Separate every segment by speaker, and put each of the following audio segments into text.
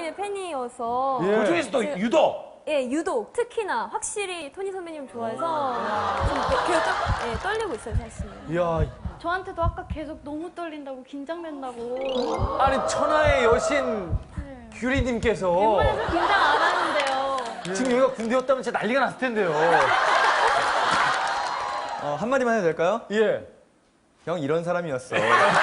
Speaker 1: 선배님의 팬이어서.
Speaker 2: 예. 그중에서도 유독.
Speaker 1: 예, 유독 특히나 확실히 토니 선배님 좋아해서 좀 계속 떨리고 있어요, 사실.
Speaker 2: 이야.
Speaker 3: 저한테도 아까 계속 너무 떨린다고 긴장된다고.
Speaker 2: 아니 천하의 여신 규리님께서
Speaker 3: 웬만해서 긴장 안 하는데요.
Speaker 2: 지금 여기가 군대였다면 진짜 난리가 났을 텐데요.
Speaker 4: 한마디만 해도 될까요?
Speaker 2: 예.
Speaker 4: 형 이런 사람이었어.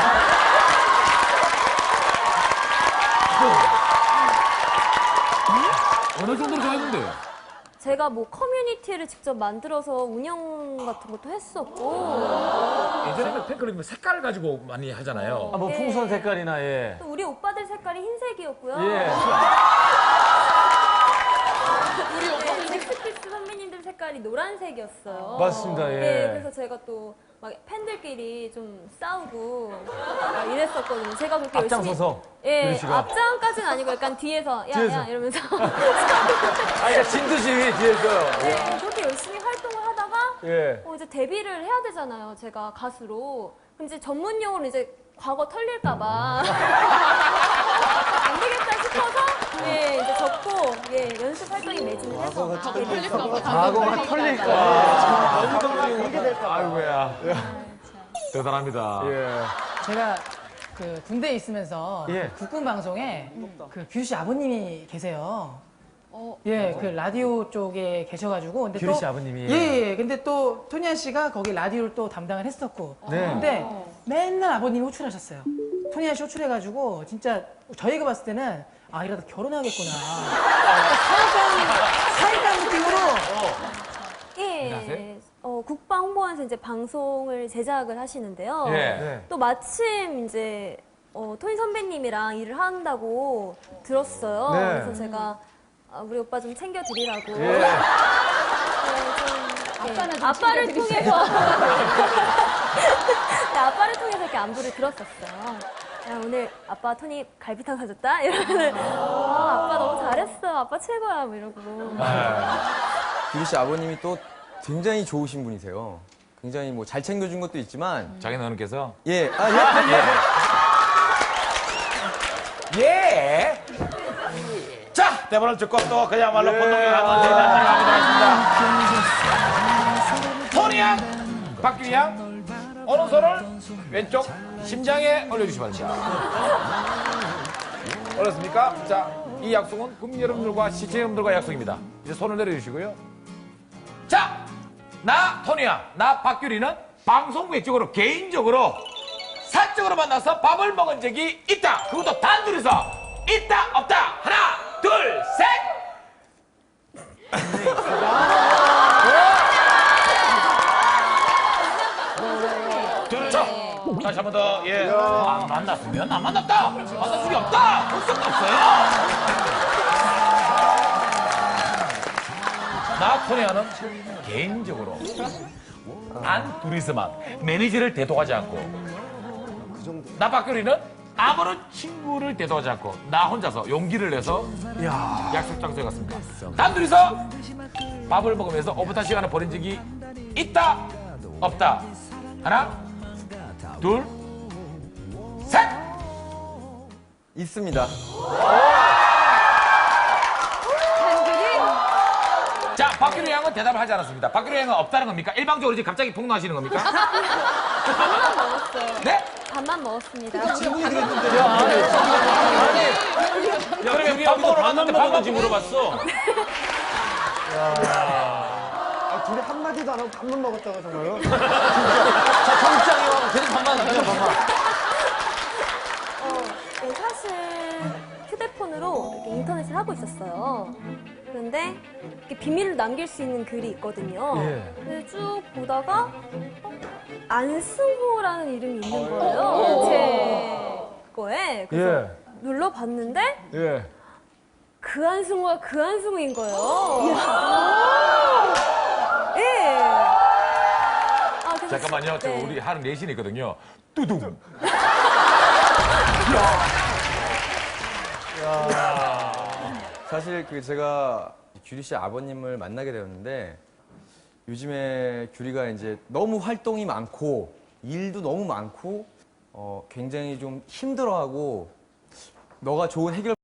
Speaker 5: 어느 정도로 좋아했는데?
Speaker 1: 제가 뭐 커뮤니티를 직접 만들어서 운영 같은 것도 했었고
Speaker 5: 예전에는 팬클럽이 색깔을 가지고 많이 하잖아요.
Speaker 2: 뭐
Speaker 1: 예.
Speaker 2: 풍선 색깔이나 예.
Speaker 1: 또 우리 오빠들 색깔이 흰색이었고요.
Speaker 2: 예.
Speaker 1: 네, 잭스키스 선배님들 색깔이 노란색이었어요.
Speaker 2: 맞습니다, 예.
Speaker 1: 네, 그래서 제가 또 막 팬들끼리 좀 싸우고 막 이랬었거든요. 제가 그렇게
Speaker 2: 앞장서서
Speaker 1: 열심히. 예,
Speaker 2: 규리 씨가?
Speaker 1: 앞장까지는 아니고 약간 뒤에서 야,
Speaker 2: 뒤에서.
Speaker 1: 야 이러면서.
Speaker 2: 그러니까 진두지 뒤에서요.
Speaker 1: 네, 그렇게 열심히 활동을 하다가
Speaker 2: 예.
Speaker 1: 이제 데뷔를 해야 되잖아요. 제가 가수로. 그럼 이제 전문 용어로 이제 과거 털릴까봐 안 되겠다 싶어서 이제 접고 연습 활동에 매진을 해서
Speaker 2: 과거가 털릴까. 아이고야. 대단합니다. 예.
Speaker 6: 제가 그 군대에 있으면서
Speaker 2: 예.
Speaker 6: 국군 방송에 그 규리 씨 아버님이 계세요. 예, 그 라디오 쪽에 계셔가지고. 근데
Speaker 2: 규리
Speaker 6: 또-
Speaker 2: 씨 아버님이.
Speaker 6: 예. 근데 또 토니아 씨가 거기 라디오를 또 담당을 했었고.
Speaker 2: 네.
Speaker 6: 근데 맨날 아버님이 호출하셨어요. 토니아 씨 호출해가지고 진짜 저희가 봤을 때는 아 이러다 결혼하겠구나. 사이다 느낌으로.
Speaker 1: 예. 국방 홍보원에서 이제 방송을 제작을 하시는데요.
Speaker 2: 예.
Speaker 1: 또 마침 이제 토니 선배님이랑 일을 한다고 들었어요.
Speaker 2: 네.
Speaker 1: 그래서 제가 우리 오빠 좀 챙겨드리라고.
Speaker 2: 예.
Speaker 1: 아빠를 통해서 네, 아빠를 통해서 이렇게 안부를 들었었어요. 야, 오늘 아빠 토니 갈비탕 사줬다? 이러면 아빠 너무 잘했어. 아빠 최고야. 뭐 이러고.
Speaker 4: 규리 씨 아버님이 또 굉장히 좋으신 분이세요. 굉장히 뭐 잘 챙겨준 것도 있지만
Speaker 5: 장인 어른께서
Speaker 4: 예,
Speaker 5: 예. 자, 대본을 듣고 또 그야말로 본능에 가는 대단히 가보도록 하겠습니다. 토니 양, 박규리 양, 오른손을 왼쪽 심장에 올려주시기 바랍니다. 어렵습니까? 자, 이 약속은 국민 여러분들과 시청 여러분들과 약속입니다. 이제 손을 내려주시고요. 자, 나 토니 양, 나 박규리는 방송 외적으로 개인적으로 사적으로 만나서 밥을 먹은 적이 있다. 그것도 단둘이서 있다 없다. 하나 둘 셋. 자, 다시 한 번 더. 예. 안 만났으면 안 만났다. 만날 적이 없다. 볼 수가 없어요. 나 토니아는 개인적으로 단 둘이서만 매니저를 대동하지 않고 나 박규리는 아무런 친구를 대동하지 않고 나 혼자서 용기를 내서 약속 장소에 갔습니다. 단둘이서 밥을 먹으면서 오붓한 시간을 보낸 적이 있다 없다. 하나 둘 셋.
Speaker 4: 있습니다.
Speaker 5: 자, 박규리 양은 대답을 하지 않았습니다. 박규리 양은 없다는 겁니까? 일방적으로 지금 갑자기 폭로하시는 겁니까?
Speaker 1: 밥만 먹었어요.
Speaker 5: 네?
Speaker 1: 밥만 먹었습니다.
Speaker 5: 그러면 밥 먹으러 갔는데 밥 먹는지 물어봤어.
Speaker 7: 둘이 한마디도 안 하고 밥만 먹었다고 정말요?
Speaker 2: 자, 정장이요. 계속 반만 하죠, 반만.
Speaker 1: 사실 휴대폰으로 이렇게 인터넷을 하고 있었어요. 그런데 이렇게 비밀을 남길 수 있는 글이 있거든요.
Speaker 2: 예.
Speaker 1: 그래서 쭉 보다가 안승호라는 이름이 있는 거예요. 제 거에. 그래서
Speaker 2: 예.
Speaker 1: 눌러봤는데
Speaker 2: 예.
Speaker 1: 그 안승호가 그 안승호인 거예요. 예. 그래서
Speaker 5: 잠깐만요. 저
Speaker 1: 네.
Speaker 5: 우리 하는 내신이 있거든요. 뚜둥.
Speaker 4: 사실 그 제가 규리 씨 아버님을 만나게 되었는데 요즘에 규리가 이제 너무 활동이 많고 일도 너무 많고 굉장히 좀 힘들어하고 너가 좋은 해결